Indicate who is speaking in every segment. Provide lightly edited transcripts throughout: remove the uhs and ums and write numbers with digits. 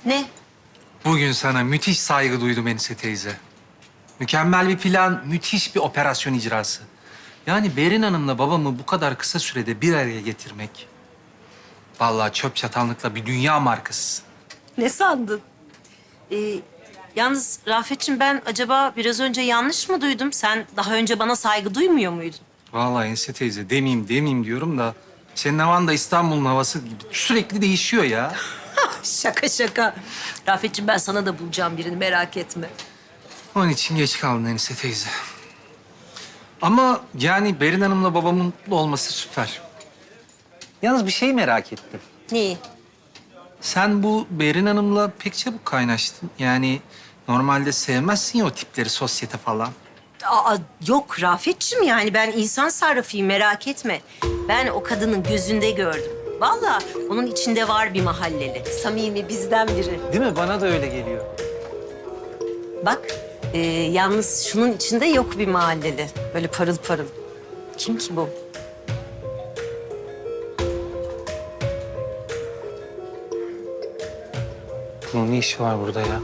Speaker 1: Ne?
Speaker 2: Bugün sana müthiş saygı duydum Enise teyze. Mükemmel bir plan, müthiş bir operasyon icrası. Yani Berin Hanım'la babamı bu kadar kısa sürede bir araya getirmek... Vallahi çöp çatanlıkla bir dünya markası.
Speaker 1: Ne sandın? Yalnız Rafet'ciğim ben acaba biraz önce yanlış mı duydum? Sen daha önce bana saygı duymuyor muydun?
Speaker 2: Vallahi Enise teyze demeyeyim diyorum da... Senin havan da İstanbul'un havası gibi sürekli değişiyor ya.
Speaker 1: Şaka şaka. Rafet'ciğim ben sana da bulacağım birini merak etme.
Speaker 2: Onun için geç kaldın Enise teyze. Ama yani Berin Hanım'la babamın mutlu olması süper. Yalnız bir şey merak ettim.
Speaker 1: Neyi?
Speaker 2: Sen bu Berin Hanım'la pek çabuk kaynaştın. Yani normalde sevmezsin ya o tipleri, sosyete falan.
Speaker 1: Aa, yok Rafet'ciğim yani ben insan sarrafıyım merak etme. Ben o kadının gözünde gördüm. Vallahi onun içinde var bir mahalleli. Samimi bizden biri.
Speaker 2: Değil mi? Bana da öyle geliyor.
Speaker 1: Bak yalnız şunun içinde yok bir mahalleli. Böyle parıl parıl. Kim ki bu?
Speaker 2: Bunun ne işi var burada ya?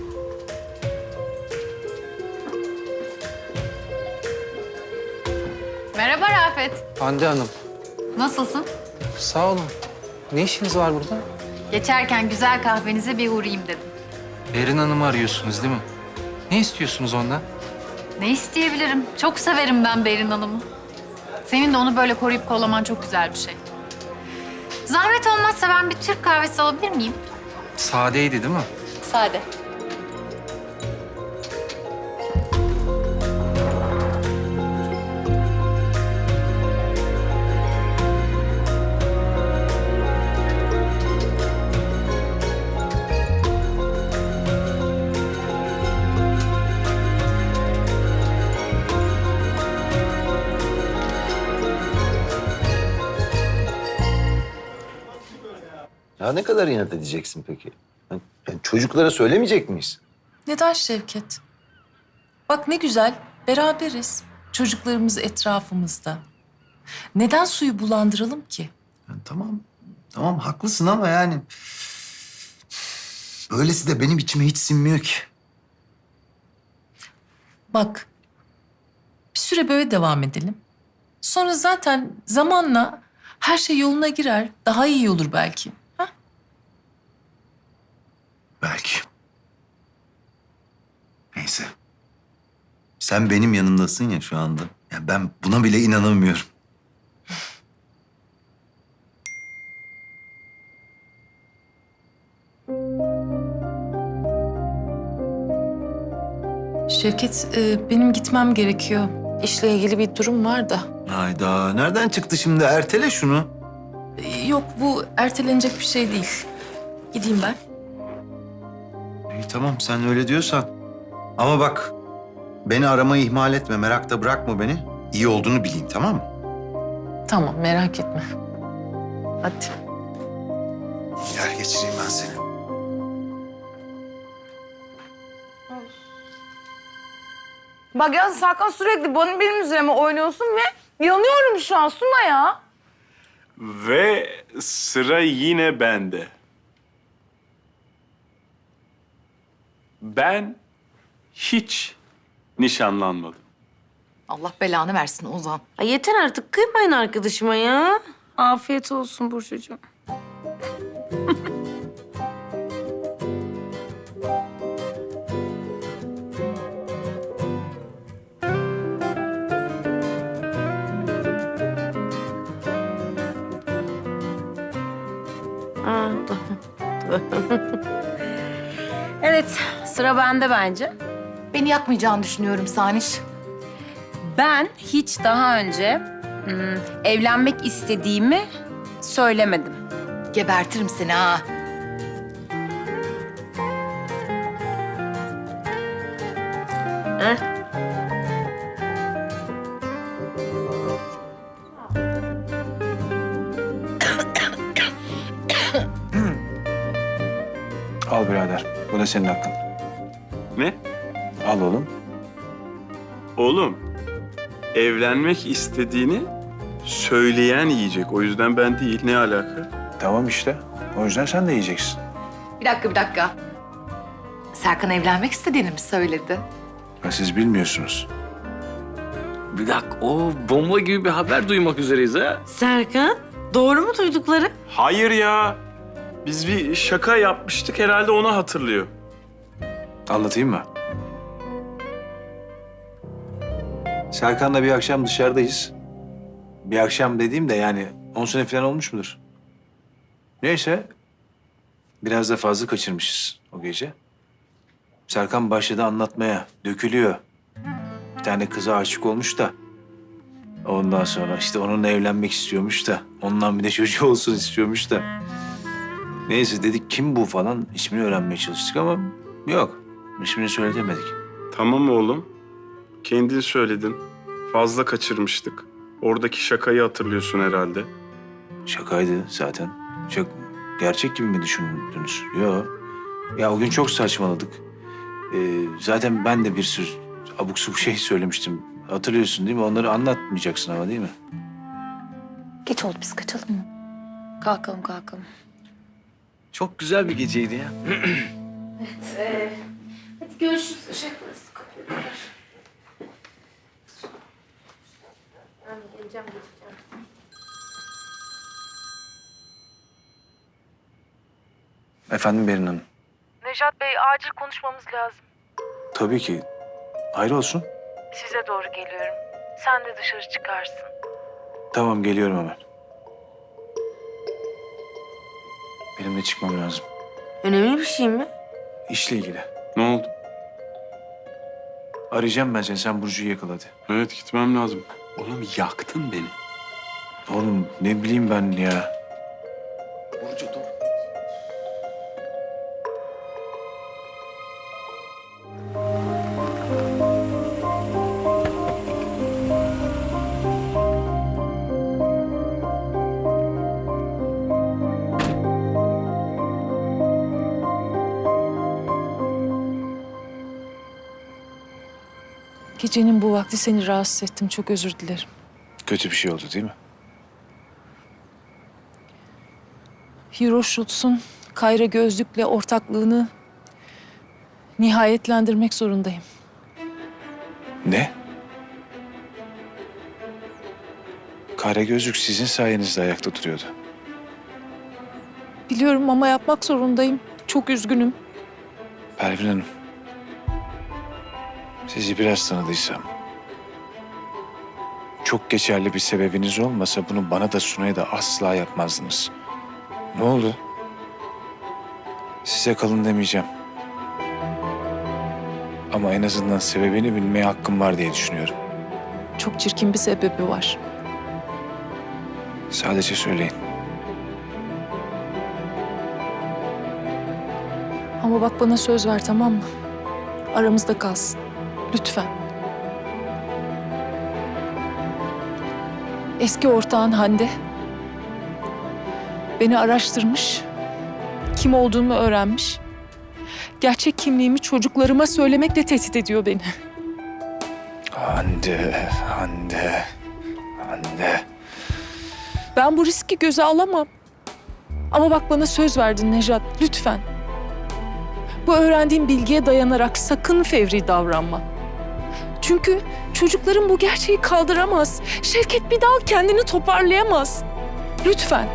Speaker 3: Merhaba Rafet.
Speaker 2: Hande Hanım,
Speaker 3: Nasılsın?
Speaker 2: sağ olun. Ne işiniz var burada?
Speaker 3: Geçerken güzel kahvenize bir uğrayayım dedim.
Speaker 2: Berin Hanım'ı arıyorsunuz değil mi? Ne istiyorsunuz ondan?
Speaker 3: Ne isteyebilirim? Çok severim ben Berin Hanım'ı. Senin de onu böyle koruyup kollaman çok güzel bir şey. Zahmet olmazsa ben bir Türk kahvesi alabilir miyim?
Speaker 2: Sadeydi değil mi?
Speaker 3: Sade.
Speaker 4: Ya ne kadar inat edeceksin peki? Yani çocuklara söylemeyecek miyiz?
Speaker 5: Neden Şevket? Bak ne güzel, beraberiz. Çocuklarımız etrafımızda. Neden suyu bulandıralım ki?
Speaker 4: Yani tamam haklısın ama yani... Böylesi de benim içime hiç sinmiyor ki.
Speaker 5: Bak, bir süre böyle devam edelim. Sonra zaten zamanla her şey yoluna girer. Daha iyi olur belki. Ha?
Speaker 4: Belki. Neyse. Sen benim yanımdasın ya şu anda. Ya ben buna bile inanamıyorum.
Speaker 5: Şevket, benim gitmem gerekiyor. İşle ilgili bir durum var da.
Speaker 4: Hayda, nereden çıktı şimdi? Ertele şunu.
Speaker 5: Yok, bu ertelenecek bir şey değil. Gideyim ben.
Speaker 4: İyi tamam, sen öyle diyorsan. Ama bak, beni aramayı ihmal etme, merakta bırakma beni. İyi olduğunu bileyim, tamam mı?
Speaker 5: Tamam, merak etme. Hadi.
Speaker 4: Gel geçireyim ben seni.
Speaker 6: Bak ya Serkan sürekli benim üzerime oynuyorsun ve yanıyorum şu an Suna ya.
Speaker 7: Ve sıra yine bende. Ben hiç nişanlanmadım.
Speaker 8: Allah belanı versin Ozan.
Speaker 1: Ay yeter artık kıymayın arkadaşıma ya.
Speaker 6: Afiyet olsun Burcucuğum.
Speaker 1: Aa, evet sıra bende bence.
Speaker 8: Beni yakmayacağını düşünüyorum Saniş.
Speaker 9: Ben hiç daha önce evlenmek istediğimi söylemedim.
Speaker 8: Gebertirim seni ha.
Speaker 1: Heh.
Speaker 10: Al birader. Bu da senin hakkın.
Speaker 7: Ne?
Speaker 10: Al oğlum.
Speaker 7: Oğlum, evlenmek istediğini söyleyen yiyecek. O yüzden ben değil. Ne alaka?
Speaker 10: Tamam işte. O yüzden sen de yiyeceksin.
Speaker 8: Bir dakika. Serkan evlenmek istediğini mi söyledi?
Speaker 10: Ha, siz bilmiyorsunuz.
Speaker 11: Bir dakika, o bomba gibi bir haber duymak üzereyiz ha.
Speaker 1: Serkan, doğru mu duydukları?
Speaker 7: Hayır ya. Biz bir şaka yapmıştık, herhalde onu hatırlıyor.
Speaker 10: Anlatayım mı? Serkan'la bir akşam dışarıdayız. Bir akşam dediğim de yani 10 sene falan olmuş mudur? Neyse. Biraz da fazla kaçırmışız o gece. Serkan başladı anlatmaya. Dökülüyor. Bir tane kıza aşık olmuş da. Ondan sonra işte onunla evlenmek istiyormuş da. Ondan bir de çocuğu olsun istiyormuş da. Neyse dedik kim bu falan. İsmini öğrenmeye çalıştık ama yok. İsmini söyletemedik.
Speaker 7: Tamam oğlum. Kendin söyledin. Fazla kaçırmıştık. Oradaki şakayı hatırlıyorsun herhalde.
Speaker 10: Şakaydı zaten. Çok gerçek gibi mi düşündünüz? Yok. Ya o gün çok saçmaladık. Zaten ben de bir sürü abuk subuk şey söylemiştim. Hatırlıyorsun değil mi? Onları anlatmayacaksın ama değil mi?
Speaker 8: Geç oldu biz kaçalım mı?
Speaker 9: Kalkalım kalkalım.
Speaker 11: Çok güzel bir geceydi ya.
Speaker 3: Hadi görüşürüz.
Speaker 10: Efendim Berin Hanım.
Speaker 6: Nejat Bey acil konuşmamız lazım.
Speaker 10: Tabii ki. Hayır olsun.
Speaker 6: Size doğru geliyorum. Sen de dışarı çıkarsın.
Speaker 10: Tamam geliyorum hemen. Benim de çıkmam lazım.
Speaker 1: Önemli bir şey mi?
Speaker 10: İşle ilgili.
Speaker 7: Ne oldu?
Speaker 10: Arayacağım ben seni. Sen Burcu'yu yakala hadi.
Speaker 7: Evet, gitmem lazım. Oğlum yaktın beni.
Speaker 10: Oğlum ne bileyim ben ya.
Speaker 11: Burcu dur.
Speaker 5: Gecenin bu vakti seni rahatsız ettim. Çok özür dilerim.
Speaker 10: Kötü bir şey oldu değil mi?
Speaker 5: Hero Schultz'un Kayra Gözlük'le ortaklığını nihayetlendirmek zorundayım.
Speaker 10: Ne? Kara gözlük sizin sayenizde ayakta duruyordu.
Speaker 5: Biliyorum ama yapmak zorundayım. Çok üzgünüm.
Speaker 10: Pervin Hanım. Sizi biraz tanıdıysam... çok geçerli bir sebebiniz olmasa bunu bana da Sunay'a da asla yapmazdınız. Ne oldu? Size kalın demeyeceğim. Ama en azından sebebini bilmeye hakkım var diye düşünüyorum.
Speaker 5: Çok çirkin bir sebebi var.
Speaker 10: Sadece söyleyin.
Speaker 5: Ama bak bana söz ver, tamam mı? Aramızda kalsın. Lütfen. Eski ortağın Hande beni araştırmış. Kim olduğumu öğrenmiş. Gerçek kimliğimi çocuklarıma söylemekle tehdit ediyor beni.
Speaker 10: Hande.
Speaker 5: Ben bu riski göze alamam. Ama bak bana söz verdin Nejat, lütfen. Bu öğrendiğim bilgiye dayanarak sakın fevri davranma. Çünkü çocuklarım bu gerçeği kaldıramaz. Şevket bir daha kendini toparlayamaz. Lütfen.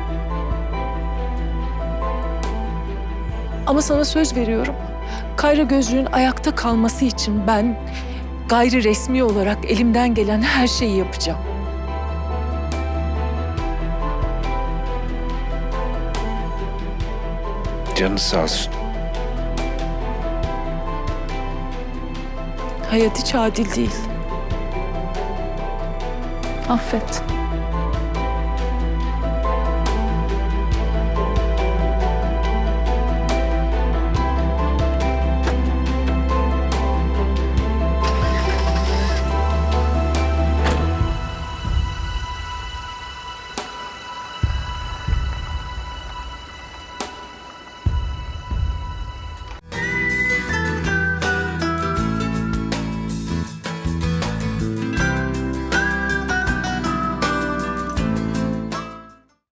Speaker 5: Ama sana söz veriyorum. Kayra Gözlüğün ayakta kalması için ben gayri resmi olarak elimden gelen her şeyi yapacağım.
Speaker 10: Canınız sağ olsun.
Speaker 5: Hayat hiç adil değil. Affet.